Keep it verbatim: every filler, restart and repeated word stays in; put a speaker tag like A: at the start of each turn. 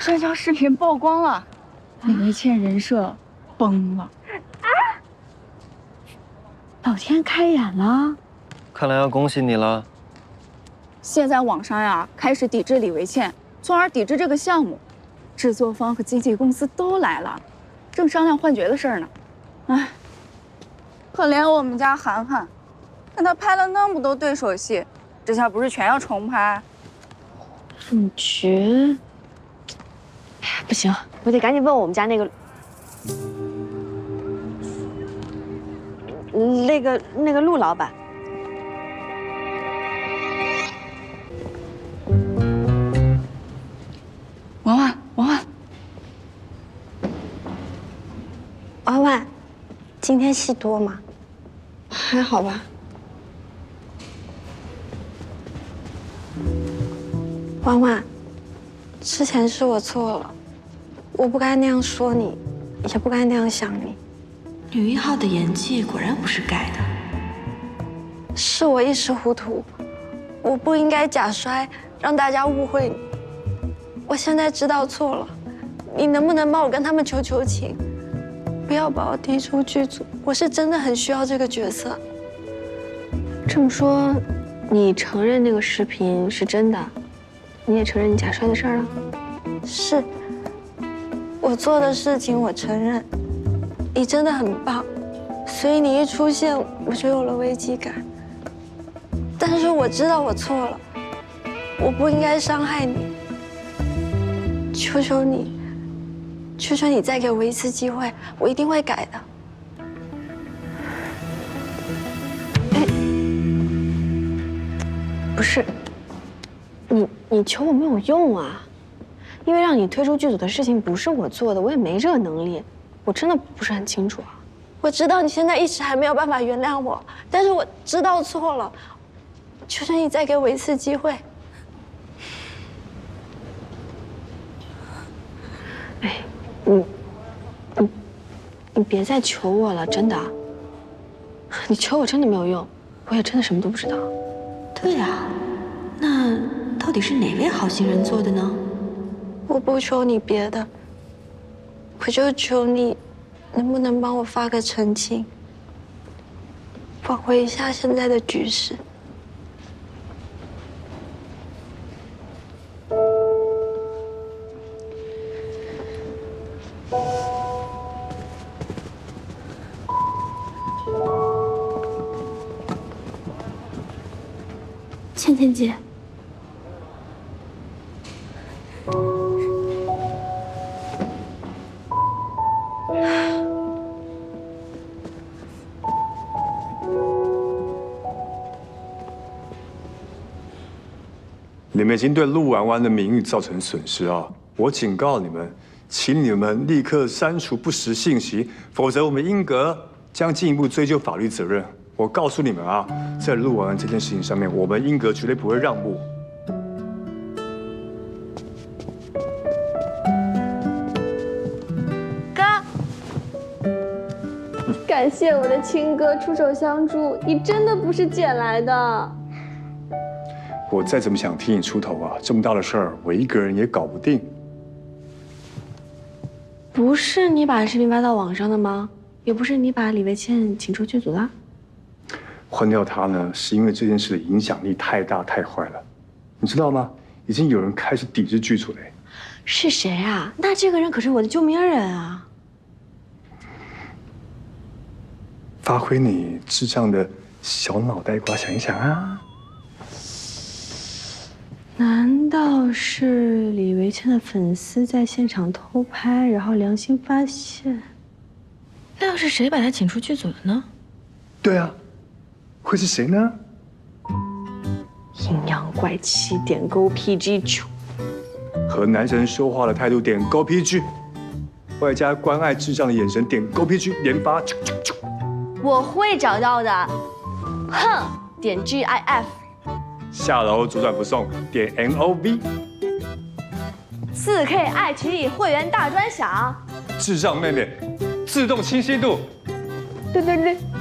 A: 这条视频曝光了，李维倩人设崩了。啊！
B: 老天开眼了，
C: 看来要恭喜你了。
A: 现在网上呀开始抵制李维倩，从而抵制这个项目。制作方和经纪公司都来了，正商量换角的事儿呢。哎，可怜我们家涵涵，跟他拍了那么多对手戏，这下不是全要重拍？
B: 主角，哎呀，不行，我得赶紧问我们家那个，那个那个陆老板。
A: 婉婉，婉婉，
D: 婉婉，今天戏多吗？还好吧。婉婉，之前是我错了，我不该那样说你，也不该那样想你。
E: 女一号的演技果然不是盖的。
D: 是我一时糊涂，我不应该假摔，让大家误会你。我现在知道错了，你能不能帮我跟他们求求情，不要把我踢出剧组？我是真的很需要这个角色。
B: 这么说，你承认那个视频是真的？你也承认你假摔的事儿了？
D: 是，我做的事情我承认。你真的很棒，所以你一出现我就有了危机感。但是我知道我错了，我不应该伤害你。求求你，求求你再给我一次机会，我一定会改的。
B: 哎，不是，你你求我没有用啊，因为让你退出剧组的事情不是我做的，我也没这个能力，我真的不是很清楚啊。
D: 我知道你现在一时还没有办法原谅我，但是我知道错了，求求你再给我一次机会。
B: 哎，你，你，你别再求我了，真的。你求我真的没有用，我也真的什么都不知道。
E: 对啊，那到底是哪位好心人做的呢？
D: 我不求你别的，我就求你，能不能帮我发个澄清，挽回一下现在的局势。
B: 倩倩姐，
F: 你们已经对陆婉婉的名誉造成损失啊！我警告你们，请你们立刻删除不实信息，否则我们英格将进一步追究法律责任。我告诉你们啊，在陆婉婉这件事情上面，我们英格绝对不会让步。
D: 哥，感谢我的亲哥出手相助，你真的不是捡来的。
F: 我再怎么想替你出头啊，这么大的事儿，我一个人也搞不定。
B: 不是你把视频发到网上的吗？也不是你把李维倩请出剧组的。
F: 换掉他呢，是因为这件事的影响力太大太坏了，你知道吗？已经有人开始抵制剧组了。
B: 是谁啊？那这个人可是我的救命恩人啊！
F: 发挥你智障的小脑袋瓜想一想啊！
B: 难道是李维倩的粉丝在现场偷拍，然后良心发现？
E: 那要是谁把他请出剧组的呢？
F: 对啊，会是谁呢？
B: 阴阳怪气点勾 P G 九，
F: 和男神说话的态度点勾 P G， 外加关爱智障的眼神点勾 P G， 连发啾啾啾。
B: 我会找到的。哼，点 G I F。
F: 下楼左转不送，点 N O V。
B: 四 K 爱奇艺会员大专享。
F: 智障妹妹，自动清晰度。
B: 对对对。